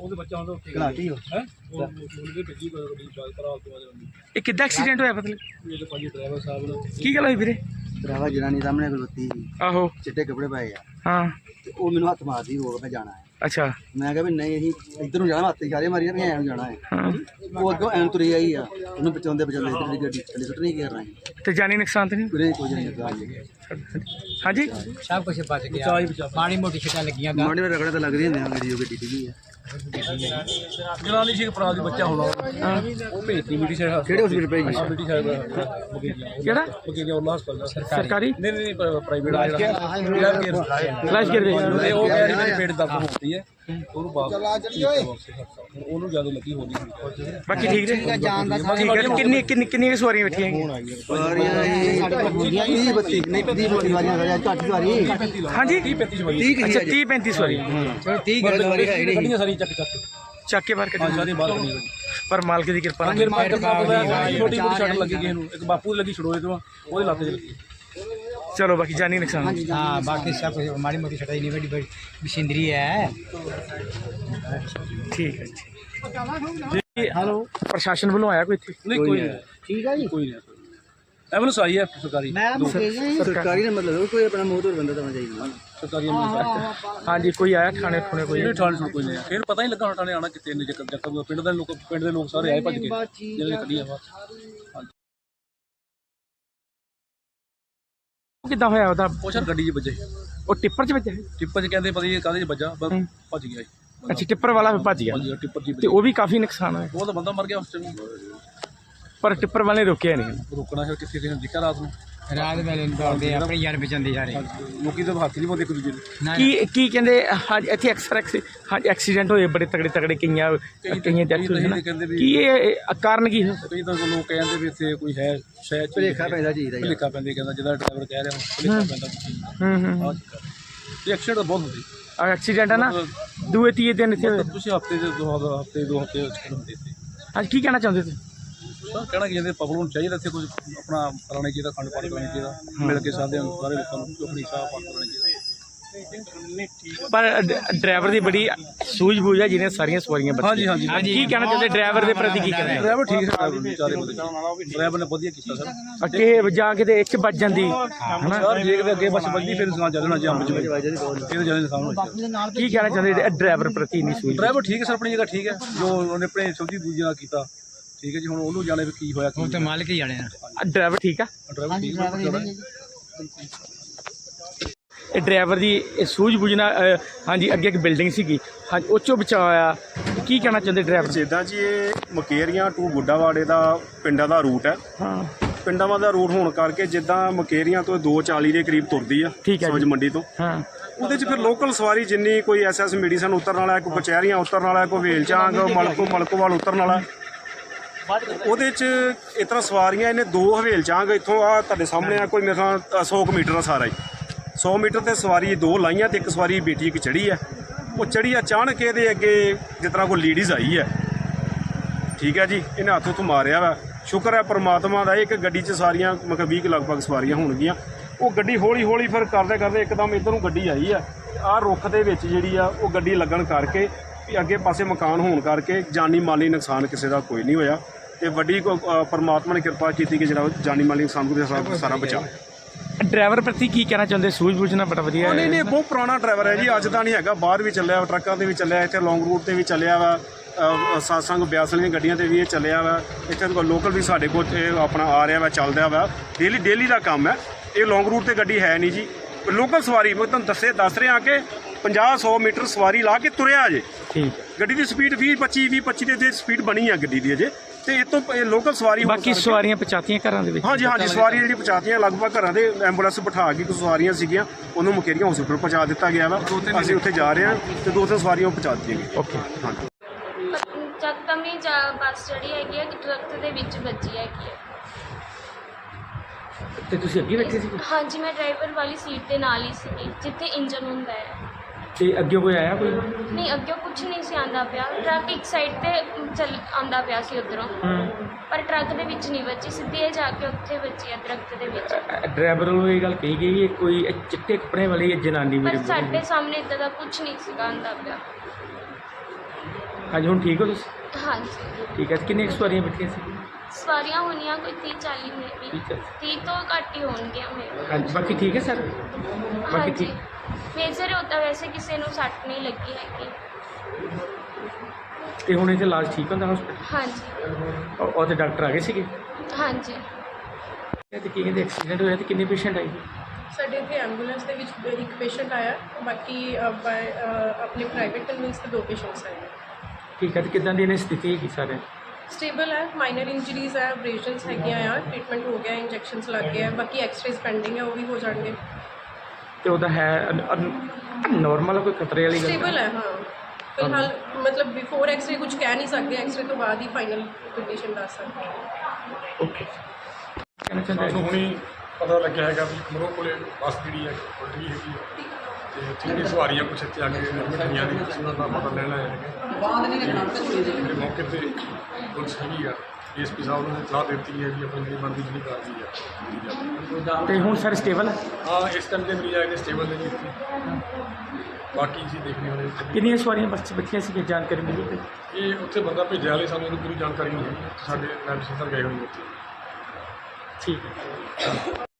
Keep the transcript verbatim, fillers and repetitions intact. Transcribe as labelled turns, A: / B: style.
A: ਉਹਦੇ ਬੱਚਾ ਹੁੰਦਾ ਉੱਥੇ
B: ਘਲਾਟੀ ਹੋ
A: ਹੈ ਉਹ ਉਹਦੇ ਭੇਜੀ ਗੱਡੀ ਬਾਲ ਕਰਾ ਤੋਂ
C: ਇਹ ਕਿੱਦਾਂ ਐਕਸੀਡੈਂਟ ਹੋਇਆ ਮਤਲਬ
A: ਇਹ ਤਾਂ ਭਾਜੀ ਡਰਾਈਵਰ ਸਾਹਿਬ ਨੇ
C: ਕੀ ਗੱਲ ਹੋਈ ਵੀਰੇ
B: ਡਰਾਵਾ ਜਨਾਨੀ ਸਾਹਮਣੇ ਖਲੋਤੀ ਸੀ
C: ਆਹੋ
B: ਚਿੱਟੇ ਕੱਪੜੇ ਪਾਏ ਆ
C: ਹਾਂ
B: ਤੇ ਉਹ ਮੈਨੂੰ ਹੱਥ ਮਾਰਦੀ ਰੋਕ ਮੈਂ ਜਾਣਾ ਹੈ
C: ਅੱਛਾ
B: ਮੈਂ ਕਿਹਾ ਵੀ ਨਹੀਂ ਅਸੀਂ ਇੱਧਰ ਨੂੰ ਜਾਣਾ ਹੱਥ ਇਸ਼ਾਰੇ ਮਾਰੀ ਜਾਂਦੇ ਐਂ ਨੂੰ ਜਾਣਾ ਹੈ
C: ਹਾਂ
B: ਉਹ ਅੱਗੋਂ ਐਂ ਤੁਰੀ ਆਈ ਆ ਉਹਨੂੰ ਬਚਾਉਂਦੇ ਬਚਾਉਂਦੇ ਇੱਧਰ ਦੀ ਗੱਡੀ ਥੱਲੇ ਸੁੱਟ ਨਹੀਂ ਕਰਨਾ
C: ਤੇ ਜਾਨੀ ਨੁਕਸਾਨ ਤੇ ਨਹੀਂ
B: ਵੀਰੇ ਕੁਝ ਨਹੀਂ ਲੱਗਾ
C: ਹਾਂਜੀ
D: सब कुछ बच गया
A: ਬਚਾ ਹੀ ਬਚਾ
D: माड़ी मोटी छटा लगियां
B: ਮਾੜੀ ਵਾਰ ਰਗੜੇ ਤਾਂ ਲੱਗਦੇ ਹੁੰਦੇ ਆ ਗੱਡੀ ਉਹ ਗੱਡੀ ਡਿੱਗੀ ਆ
A: ਜਨਾਨੀ ਸੀ ਪ੍ਰਾਜ ਬੱਚਾ ਹੋਣਾ ਉਹ ਭੇਜਤੀ ਮੀਟੀ ਸਾਹਿਬ
B: ਕਿਹੜੇ ਹਸਪੀਟਲ ਭੇਜੀ
A: ਆ ਮੀਟੀ ਸਾਹਿਬ ਬਗੇਰੀਆ
C: ਕਿਹੜਾ
A: ਬਗੇਰੀਆ ਉਲਾ ਹਸਪਤਾਲ ਦਾ
C: ਸਰਕਾਰੀ
A: ਨਹੀਂ ਨਹੀਂ ਪ੍ਰਾਈਵੇਟ ਆ ਜਿਹੜਾ
C: ਫਲੈਸ਼ ਗਿਰ ਦੇ
A: ਤੇ ਉਹ ਕਹਿ ਰਹੀ ਮੇਰੀ ਪੇਟ ਦਰਦ ਹੁੰਦੀ ਹੈ ਉਹਨੂੰ ਬਾਅਦ ਉਹਨੂੰ ਜ਼ਿਆਦਾ ਲੱਗੀ ਹੋਣੀ
C: ਬਾਕੀ ਠੀਕ ਨੇ ਠੀਕ ਹੈ ਕਿੰਨੀ ਕਿੰਨੀ ਕਿੰਨੀਆਂ ਸਵਾਰੀਆਂ ਬੈਠੀਆਂ ਹੈਗੀਆਂ
B: ਸਵਾਰੀਆਂ ਇਹ ਬੱਤੀ ਨਹੀਂ ਪੱਦੀ ਬੋਲੀ ਵਾਲੀਆਂ ਘੱਟ ਸਵਾਰੀ
C: ਹਾਂਜੀ
A: ਤੀਹ ਪੈਂਤੀ ਸਵਾਰੀ
B: ਠੀਕ
C: ਅੱਛਾ ਤੀਹ ਪੈਂਤੀ ਸਵਾਰੀ
B: ਚਲੋ ਠੀਕ ਹੈ ਸਵਾਰੀ ਹੈ ਨਹੀਂ
A: ਗੱਡੀਆਂ ਸਾਰੀ ਚੱਕ ਚੱਕ
C: ਚੱਕ ਕੇ ਬਾਹਰ
A: ਹਾਂ
C: ਕੱਢੀ
A: ਸਾਰੀ ਬਾਹਰ ਕੱਢੀ
C: ਪਰ ਮਾਲਕ ਦੀ ਕਿਰਪਾ ਨਾਲ
A: ਫਿਰ ਮਾਰਕੀਟ ਨਾਲ ਛੋਟੀ ਮੋਟੀ ਛੱਟ ਲੱਗੀ ਕਿਸੇ ਨੂੰ ਇੱਕ ਬਾਪੂ ਦੀ ਲੱਗੀ ਛੜੋਏ ਤੋਂ ਉਹਦੇ ਲੱਤ 'ਚ ਲੱਗੀ
C: ਚਲੋ ਬਾਕੀ ਜਾਨੀ ਨੁਕਸਾਨ
D: हाँ बाकी सब कुछ माड़ी मोटी छटा नहीं बड़ी बड़ी मशीनरी है
C: ਠੀਕ ਹੈ ਜੀ ਹੈਲੋ ਪ੍ਰਸ਼ਾਸਨ ਵੱਲੋਂ ਆਇਆ ਕੋਈ ਇੱਥੇ
A: ਨਹੀਂ ਕੋਈ ਨਹੀਂ
D: ठीक है जी
A: ਕੋਈ ਨਹੀਂ ਐਂਬੂਲੈਂਸ ਆਈ ਹੈ ਸਰਕਾਰੀ
B: ਸਰਕਾਰੀ ਦਾ ਮਤਲਬ ਕੋਈ ਆਪਣਾ ਮੂੰਹ ਤੋਂ ਬੰਦਾ ਤਾਂ ਚਾਹੀਦਾ
A: ਸਰਕਾਰੀ ਐਂਬੂਲੈਂਸ
C: ਹਾਂਜੀ ਕੋਈ ਆਇਆ ਥਾਣੇ ਥੁਣੇ ਕੋਈ
A: ਕੋਈ ਠਾਣੇ ਕੋਈ ਨਹੀਂ ਫਿਰ ਪਤਾ ਹੀ ਲੱਗਾ ਹੁਣ ਠਾਣੇ ਆਣਾ ਕਿਤੇ ਨੇ ਜੱਕ ਜੱਕ ਪਿੰਡ ਦੇ ਲੋਕ ਪਿੰਡ ਦੇ ਲੋਕ ਸਾਰੇ ਆਏ ਭੱਜ ਕੇ ਜਿਹੜੇ ਕੱਢੀਆਂ ਬਾਹਰ
C: ਉਹ ਕਿੱਦਾਂ ਹੋਇਆ ਉਹਦਾ
A: ਉਹ ਸਰ ਗੱਡੀ 'ਚ ਵੱਜੇ
C: ਉਹ ਟਿੱਪਰ 'ਚ ਵੱਜਿਆ
A: ਟਿੱਪਰ 'ਚ ਕਹਿੰਦੇ ਪਤਾ ਨਹੀਂ ਕਾਹਦੇ 'ਚ ਵੱਜਾ ਬਸ ਭੱਜ ਗਿਆ ਜੀ
C: ਅੱਛਾ ਟਿੱਪਰ ਵਾਲਾ ਫਿਰ ਭੱਜ ਗਿਆ
A: ਭੱਜ ਗਿਆ ਟਿੱਪਰ 'ਚ
C: ਤੇ
A: ਵੱਜਿਆ।
C: ਉਹ ਵੀ ਕਾਫੀ ਨੁਕਸਾਨ ਹੋਇਆ
A: ਉਹ ਤਾਂ ਬੰਦਾ ਮਰ ਗਿਆ ਉਸ ਟਾਈਮ
C: ਪਰ ਟਿੱਪਰ ਵਾਲੇ ਰੋਕਿਆ ਨਹੀਂ
A: ਰੋਕਣਾ ਫਿਰ ਕਿਸੇ ਨੇ ਦਿਖਿਆ ਰਾਤ ਨੂੰ
D: रात वेले दौड़ते अपनी यार बचाते सारे
A: ਲੋਕੀ ਤਾਂ ਹੱਥ ਨਹੀਂ ਪਾਉਂਦੇ ਇੱਕ ਦੂਜੇ ਨੂੰ
C: ਕੀ ਕੀ ਕਹਿੰਦੇ ਹਾਂਜੀ ਇੱਥੇ ਅਕਸਰ ਹਾਂਜੀ ਐਕਸੀਡੈਂਟ ਹੋਏ ਬੜੇ ਤਗੜੇ ਤਗੜੇ ਕਈਆਂ ਕਈਆਂ ਡੈਥ ਹੋਈ ਨਾ
A: ਕਹਿੰਦੇ ਵੀ
C: ਕੀ ਇਹ ਕਾਰਨ ਕੀ ਹੈ
A: ਕਈ ਤਾਂ ਲੋਕ ਕਹਿੰਦੇ ਵੀ ਇੱਥੇ ਕੋਈ ਹੈ ਸ਼ਾਇਦ
B: ਭੁਲੇਖਾ ਪੈਂਦਾ ਚੀਜ਼ ਦਾ
A: ਭੁਲੇਖਾ ਪੈਂਦਾ ਕਹਿੰਦਾ ਜਿਹਦਾ ਡਰਾਈਵਰ ਕਹਿ ਰਿਹਾ ਭੁਲੇਖਾ ਪੈਂਦਾ
C: ਹੂੰ ਹੂੰ
A: ਆਹ ਚੱਕਰ ਇਹ ਐਕਸੀਡੈਂਟ ਬਹੁਤ ਹੁੰਦੇ
C: ਐਕਸੀਡੈਂਟ ਹੈ ਨਾ ਦੂਏ ਤੀਏ ਦਿਨ ਇੱਥੇ ਹੋਏ।
A: ਤੁਸੀਂ ਹਫਤੇ ਦੇ ਦੋ ਹਫਤੇ ਦੋ ਹਫਤੇ ਐਕਸੀਡੈਂਟ ਹੁੰਦੇ ਇੱਥੇ
C: ਹਾਂਜੀ ਕੀ ਕਹਿਣਾ ਚਾਹੁੰਦੇ ਤੁਸੀਂ
A: ਸਰ ਕਹਿਣਾ ਕਿ ਇਹਦੇ ਪਬਲਿਕ ਨੂੰ ਚਾਹੀਦਾ ਇੱਥੇ ਕੁਝ ਆਪਣਾ ਕਰਾਉਣਾ ਚਾਹੀਦਾ ਖੰਡ ਪਾਠ ਕਰਾਉਣਾ ਚਾਹੀਦਾ ਮਿਲ ਕੇ ਸਾਰੇ ਸਾਰੇ ਲੋਕਾਂ ਨੂੰ ਆਪਣੀ ਸਾਹ ਪਾਠ ਕਰਾਉਣਾ ਚਾਹੀਦਾ
C: ਪਰ ਡ- ਡਰਾਈਵਰ ਦੀ ਬੜੀ ਸੂਝ-ਬੂਝ ਹੈ ਜਿਹਨੇ ਸਾਰੀਆਂ ਸਵਾਰੀਆਂ
A: ਹਾਂਜੀ
C: ਬਚਾਈਆਂ
A: ਹਾਂਜੀ
C: ਕੀ ਕਹਿਣਾ ਚਾਹੁੰਦੇ ਡਰਾਈਵਰ ਦੇ ਪ੍ਰਤੀ ਕੀ ਕਹਿਣਾ
A: ਡਰਾਈਵਰ ਠੀਕ ਹੈ ਡਰਾਈਵਰ ਚਾਰੇ ਬੰਦੇ ਡਰਾਈਵਰ ਨੇ ਵਧੀਆ ਕੀਤਾ ਸਰ
C: ਅੱਗੇ ਜਾ ਕੇ ਤੇ ਇੱਕ ਵੱਜ ਜਾਂਦੀ ਹਨਾ
A: ਸਰ ਜੇ ਕਿਤੇ ਅੱਗੇ ਬੱਸ ਵੱਜਦੀ ਫਿਰ ਨੁਕਸਾਨ ਚੱਲਣਾ ਜੇ ਅੰਬ ਚ ਇਹ ਤਾਂ ਜ਼ਿਆਦਾ ਨੁਕਸਾਨ ਹੋਣਾ
C: ਕੀ ਕਹਿਣਾ ਚਾਹੁੰਦੇ ਡਰਾਈਵਰ ਪ੍ਰਤੀ ਇੰਨੀ ਸੂਝ
A: ਡਰਾਈਵਰ ਠੀਕ ਹੈ ਸਰ ਆਪਣੀ ਜਗ੍ਹਾ ਠੀਕ ਹੈ ਜੋ ਉਹਨੇ ਆਪਣੇ ਸਬਜ਼ੀ ਦੂਜੀ ਨਾਲ ਕੀਤਾ ਠੀਕ ਹੈ ਜੀ ਹੁਣ ਉਹਨੂੰ ਜਾਣੇ ਵੀ ਕੀ ਹੋਇਆ ਕੀ
D: तो मालिक ही जाने ना
C: ਡਰਾਈਵਰ ਠੀਕ ਆ
A: ਡਰਾਈਵਰ ਠੀਕ ਹੈ
C: ਇਹ ਡਰਾਈਵਰ ਦੀ ਇਹ ਸੂਝ-ਬੂਝ ਨਾਲ ਅ, ਹਾਂਜੀ ਅੱਗੇ ਇੱਕ ਬਿਲਡਿੰਗ ਸੀਗੀ ਹਾਂਜੀ ਉਹ 'ਚੋਂ ਬਚਾਅ ਹੋਇਆ ਕੀ ਕਹਿਣਾ ਚਾਹੁੰਦੇ ਡਰਾਈਵਰ
E: ਜਿੱਦਾਂ ਜੀ ਇਹ ਮਕੇਰੀਆਂ ਟੂ ਬੁੱਢਾਵਾੜੇ ਦਾ ਪਿੰਡਾਂ ਦਾ ਰੂਟ ਹੈ
C: ਹਾਂ
E: ਪਿੰਡਾਂ ਦਾ ਰੂਟ ਹੋਣ ਕਰਕੇ ਜਿੱਦਾਂ ਮਕੇਰੀਆਂ ਤੋਂ ਦੋ ਚਾਲੀ ਦੇ ਕਰੀਬ ਤੁਰਦੀ ਆ
C: ਠੀਕ ਹੈ
E: ਸਬਜ਼
C: ਜੀ।
E: ਮੰਡੀ ਤੋਂ
C: ਹਾਂ
E: ਉਹਦੇ 'ਚ ਫਿਰ ਲੋਕਲ ਸਵਾਰੀ ਜਿੰਨੀ ਕੋਈ ਐਸਐਸ ਮੈਡੀਸਨ ਉਤਰਨ ਵਾਲਾ ਕੋਈ ਕਚਹਿਰੀਆਂ ਉਤਰਨ ਵਾਲਾ ਕੋਈ ਵੇਲਚਾਂਗ ਮਲਕੋ ਮਲਕੋਵਾਲ ਉਤਰਨ ਵਾਲਾ ਉਹਦੇ 'ਚ ਇਸ ਤਰ੍ਹਾਂ ਸਵਾਰੀਆਂ ਇਹਨੇ ਦੋ ਹਵੇਲਚਾਂਗ ਇੱਥੋਂ ਆ ਤੁਹਾਡੇ ਸਾਹਮਣੇ ਆ ਕੋਈ ਮੇਰੇ ਖਿਆਲ ਸੌ ਕੁ ਮੀਟਰ ਦਾ ਸਾਰਾ ਹੀ ਸੌ ਮੀਟਰ ਤੇ ਸਵਾਰੀ ਦੋ ਲਾਈਆਂ ਤੇ ਇੱਕ ਸਵਾਰੀ ਬੇਟੀ ਇੱਕ ਚੜੀ ਹੈ ਉਹ ਚੜੀ ਅਚਾਨਕ ਇਹਦੇ ਅੱਗੇ ਜਿਸ ਤਰ੍ਹਾਂ ਕੋਈ ਲੇਡੀਜ਼ ਆਈ ਹੈ ਠੀਕ ਹੈ ਜੀ ਇਹਨੇ ਹੱਥ ਉੱਥੋਂ ਮਾਰਿਆ ਵਾ ਸ਼ੁਕਰ ਹੈ ਪਰਮਾਤਮਾ ਦਾ ਇੱਕ ਗੱਡੀ 'ਚ ਸਾਰੀਆਂ ਮਤਲਬ ਵੀਹ ਕੁ ਲਗਭਗ ਸਵਾਰੀਆਂ ਹੋਣਗੀਆਂ ਉਹ ਗੱਡੀ ਹੌਲੀ ਹੌਲੀ ਫਿਰ ਕਰਦੇ ਕਰਦੇ ਇੱਕਦਮ ਇੱਧਰ ਨੂੰ ਗੱਡੀ ਆਈ ਆ ਆਹ ਰੁੱਖ ਦੇ ਵਿੱਚ ਜਿਹੜੀ ਆ ਉਹ ਗੱਡੀ ਲੱਗਣ ਕਰਕੇ ਵੀ ਅੱਗੇ ਪਾਸੇ ਮਕਾਨ ਹੋਣ ਕਰਕੇ ਜਾਨੀ ਮਾਲੀ ਨੁਕਸਾਨ ਕਿਸੇ ਦਾ ਕੋਈ ਨਹੀਂ ਹੋਇਆ ਤੇ ਵੱਡੀ ਪਰਮਾਤਮਾ ਨੇ ਕਿਰਪਾ ਕੀਤੀ ਕਿ ਜਿਹੜਾ ਜਾਨੀ ਮਾਲੀ ਨੁਕਸਾਨ ਕੋਈ ਸਾਰਾ ਸਾਰਾ ਬਚਾ
C: ਡਰਾਈਵਰ ਪ੍ਰਤੀ ਕੀ ਕਹਿਣਾ ਚਾਹੁੰਦੇ ਸੂਝ-ਬੂਝ ਨਾਲ ਬੜਾ ਵਧੀਆ
E: ਨਹੀਂ ਨਹੀਂ ਬਹੁਤ ਪੁਰਾਣਾ ਡਰਾਈਵਰ ਹੈ ਜੀ ਅੱਜ ਦਾ ਨਹੀਂ ਹੈਗਾ ਬਾਹਰ ਵੀ ਚੱਲਿਆ ਟਰੱਕਾਂ ਤੇ ਵੀ ਚੱਲਿਆ ਇੱਥੇ ਲੌਂਗ ਰੂਟ ਤੇ ਵੀ ਚੱਲਿਆ ਵਾ ਸਾਸੰਗ ਬਿਆਸ ਵਾਲੀਆਂ ਗੱਡੀਆਂ ਤੇ ਵੀ ਇਹ ਚੱਲਿਆ ਵਾ ਇੱਥੇ ਲੋਕਲ ਵੀ ਸਾਡੇ ਕੋਲ ਇਹ ਆਪਣਾ ਆ ਰਿਹਾ ਵਾ ਚੱਲਦਾ ਵਾ ਡੇਲੀ ਡੇਲੀ ਦਾ ਕੰਮ ਹੈ ਇਹ ਲੌਂਗ ਰੂਟ ਤੇ ਗੱਡੀ ਹੈ ਨਹੀਂ ਜੀ ਲੋਕਲ ਸਵਾਰੀ ਮੈਂ ਤੁਹਾਨੂੰ ਦੱਸੇ ਦੱਸ ਰਿਹਾ ਕਿ ਪੰਜਾਹ ਸੌ ਮੀਟਰ ਸਵਾਰੀ ਲਾ ਕੇ ਤੁਰਿਆ ਅਜੇ
C: ਠੀਕ
E: ਗੱਡੀ ਦੀ ਸਪੀਡ ਵੀਹ ਪੱਚੀ ਵੀਹ ਪੱਚੀ ਦੇ ਸਪੀਡ ਬਣੀ ਆ ਗੱਡੀ ਦੀ ਅਜੇ ਤੇ ਇਹ ਤੋਂ ਲੋਕਲ ਸਵਾਰੀ
C: ਬਾਕੀ ਸਵਾਰੀਆਂ ਪਹੁੰਚਾਤੀਆਂ ਘਰਾਂ ਦੇ ਵਿੱਚ
E: ਹਾਂਜੀ ਹਾਂਜੀ ਸਵਾਰੀਆਂ ਜਿਹੜੀ ਪਹੁੰਚਾਤੀਆਂ ਲਗਭਗ ਘਰਾਂ ਦੇ ਐਂਬੂਲੈਂਸ ਬਿਠਾ ਕੇ ਕੁਝ ਸਵਾਰੀਆਂ ਸੀਗੀਆਂ ਉਹਨੂੰ ਮੁਕੇਰੀਆਂ ਹਸਪੀਟਲ ਪਹੁੰਚਾ ਦਿੱਤਾ ਗਿਆ ਵਾ ਅਸੀਂ ਉੱਥੇ ਜਾ ਰਹੇ ਹਾਂ ਤੇ ਦੋ ਤਿੰਨ ਸਵਾਰੀਆਂ ਪਹੁੰਚਾ ਦਿੱਤੀਆਂ ਗਈਆਂ
C: ਓਕੇ
E: ਹਾਂਜੀ
F: ਚੱਕਮ ਹੀ ਜਾ ਬੱਸ ਜਿਹੜੀ ਹੈਗੀ ਹੈ ਟਰੱਕ ਦੇ ਵਿੱਚ ਵੱਜੀ ਹੈਗੀ ਹੈ
C: ਤੇ ਤੁਸੀਂ ਅੱਗੇ ਬੈਠੇ ਸੀ
F: ਹਾਂਜੀ ਮੈਂ ਡਰਾਈਵਰ ਵਾਲੀ ਸੀਟ ਦੇ ਨਾਲ ਹੀ ਸੀ ਜਿੱਥੇ ਇੰਜਨ ਹੁੰਦਾ ਹੈ
C: ਤੇ ਅੱਗੇ ਕੋਈ ਆਇਆ ਕੋਈ
F: ਨਹੀਂ ਅੱਗੇ ਕੁਝ ਨਹੀਂ ਸੀ ਆਂਦਾ ਪਿਆ ਟਰੱਕ ਇੱਕ ਸਾਈਡ ਤੇ ਚੱਲ ਆਂਦਾ ਪਿਆ ਸੀ ਉੱਧਰੋਂ ਪਰ ਟਰੱਕ ਦੇ ਵਿੱਚ ਨਹੀਂ ਵੱਜੀ ਸਿੱਧੀ ਇਹ ਜਾ ਕੇ ਉੱਥੇ ਵੱਜੀ ਹੈ ਦਰਖਤ ਦੇ ਵਿੱਚ
C: ਡਰਾਈਵਰ ਨੂੰ ਇਹ ਗੱਲ ਕਹੀ ਗਈ ਇਹ ਕੋਈ ਇਹ ਚਿੱਟੇ ਕੱਪੜੇ ਵਾਲੀ ਇਹ ਜਨਾਨੀ
F: ਪਰ
C: ਮੇਰੇ
F: ਸਾਡੇ ਸਾਹਮਣੇ ਇੱਦਾਂ ਦਾ ਕੁਝ ਨਹੀਂ ਸੀਗਾ ਆਂਦਾ ਪਿਆ
C: ਹਾਂਜੀ ਹੁਣ ਠੀਕ ਹੋ ਤੁਸੀਂ?
F: ਹਾਂਜੀ
C: ਠੀਕ ਹੈ ਤੇ ਕਿੰਨੀਆਂ ਕੁ ਸਵਾਰੀਆਂ ਬੈਠੀਆਂ ਸੀ?
F: ਸਵਾਰੀਆਂ ਹੋਣੀਆਂ ਕੋਈ ਤੀਹ ਚਾਲੀ ਮੇ ਵੀ
C: ਠੀਕ ਹੈ।
F: ਤੀਹ ਤੋਂ ਘੱਟ ਹੀ ਹੋਣਗੀਆਂ ਮੇਰੇ
C: ਹਾਂਜੀ ਬਾਕੀ ਠੀਕ ਹੈ ਸਰ? ਬਾਕੀ
F: ਹਾਂਜੀ
C: ਠੀਕ।
F: ਮੇਜਰ ਹੁੰਦਾ ਵੈਸੇ ਕਿਸੇ ਨੂੰ ਸੱਟ ਨਹੀਂ ਲੱਗੀ ਹੈਗੀ।
C: ਤੇ ਹੁਣ ਇੱਥੇ ਇਲਾਜ ਠੀਕ ਹੁੰਦਾ ਹਸਪੀਟਲ?
F: ਹਾਂਜੀ
C: ਉਹ ਤੇ ਡਾਕਟਰ ਆ ਗਏ ਸੀਗੇ?
F: ਹਾਂਜੀ
C: ਤੇ ਕੀ ਕਹਿੰਦੇ ਐਕਸੀਡੈਂਟ ਹੋਇਆ ਤੇ ਕਿੰਨੇ ਪੇਸ਼ੈਂਟ ਆਏ?
G: ਸਾਡੇ ਇੱਥੇ ਐਂਬੂਲੈਂਸ ਦੇ ਵਿੱਚ ਇੱਕ ਪੇਸ਼ੈਂਟ ਆਇਆ, ਬਾਕੀ ਅ, ਬਾਏ, ਅ, ਆਪਣੇ ਪ੍ਰਾਈਵੇਟ ਕਨਵੀਨਸ ਤੇ ਦੋ ਪੇਸ਼ੈਂਟਸ ਆਏ।
C: ਠੀਕ ਹੈ ਤੇ ਕਿੱਦਾਂ ਦੀ ਇਹਨੇ ਸਥਿਤੀ ਹੈਗੀ ਸਾਰੇ?
G: ਸਟੇਬਲ ਹੈ, ਮਾਈਨਰ ਇੰਜਰੀਜ਼ ਹੈ, ਅਬਰੇਸ਼ਨਸ ਹੈਗੀਆਂ ਆ, ਟ੍ਰੀਟਮੈਂਟ ਹੋ ਗਿਆ, ਇੰਜੈਕਸ਼ਨਸ ਲੱਗ ਗਏ ਆ, ਬਾਕੀ ਐਕਸ-ਰੇਜ਼ ਪੈਂਡਿੰਗ ਹੈ, ਉਹ ਵੀ ਹੋ ਜਾਣਗੇ।
C: ਤੇ ਉਹਦਾ ਹੈ ਨੋਰਮਲ ਕੋਈ ਖਤਰੇ ਵਾਲੀ ਗੱਲ?
G: ਸਟੇਬਲ ਹੈ, ਹਾਂ ਫਿਲਹਾਲ ਮਤਲਬ ਬਿਫੋਰ ਐਕਸ-ਰੇ ਕੁਝ ਕਹਿ ਨਹੀਂ ਸਕਦੇ, ਐਕਸ-ਰੇ ਤੋਂ ਬਾਅਦ ਹੀ ਫਾਈਨਲ ਕੰਡੀਸ਼ਨ ਦੱਸ ਸਕਦੇ ਹਾਂ।
C: ਓਕੇ ਕਹਿਣਾ ਚਾਹੁੰਦਾ
H: ਸਾਨੂੰ ਹੁਣੀ ਪਤਾ ਲੱਗਿਆ ਹੈਗਾ ਵੀ ਖਮਰੋਂ ਕੋਲੇ ਬੱਸ ਜਿਹੜੀ ਹੈ ਪਲਟੀ ਹੈਗੀ ਹੈ ਤੇ ਜਿਹੜੀ ਸਵਾਰੀਆਂ ਕੁਛ ਇੱਥੇ ਆ ਕੇ ਐਡਮਿਟ ਹੋਈਆਂ ਨੇ, ਉਹਨਾਂ ਦਾ ਪਤਾ ਲੈਣ ਆਏ ਹੈਗੇ। ਜਿਹੜੇ ਮੌਕੇ ਤੇ ਪੁਲਿਸ ਹੈਗੀ ਆ, ਡੀ ਐਸ ਪੀ ਸਾਹਿਬ ਨੇ ਸਲਾਹ ਦਿੱਤੀ ਹੈ ਵੀ ਆਪਣੀ ਜਿਹੜੀ ਬਣਦੀ ਜਿਹੜੀ ਕਾਰਵਾਈ ਆ ਕੀਤੀ ਜਾਵੇ।
C: ਤੇ ਹੁਣ ਸਰ ਸਟੇਬਲ ਹੈ?
H: ਹਾਂ ਇਸ ਟਾਈਮ ਦੇ ਮਰੀਜ਼ ਆਏ ਨੇ ਸਟੇਬਲ ਨੇ ਜੀ ਇੱਥੇ, ਬਾਕੀ ਅਸੀਂ ਦੇਖਦੇ ਹਾਂ ਉਹਦੇ
C: ਕਿੰਨੀਆਂ ਸਵਾਰੀਆਂ ਬੱਸ 'ਚ ਬੱਚੀਆਂ ਸੀ ਜਾਣਕਾਰੀ ਮਿਲੀ ਕੋਈ?
H: ਇਹ ਉੱਥੇ ਬੰਦਾ ਭੇਜਿਆ ਵਾਲੇ ਸਾਨੂੰ ਉਹਦੀ ਪੂਰੀ ਜਾਣਕਾਰੀ ਨਹੀਂ ਹੈਗੀ, ਸਾਡੇ ਮੈਡੀਸਨ ਸਰ ਗਏ ਹੋਏ ਨੇ ਉੱਥੇ।
C: ਠੀਕ ਹੈ।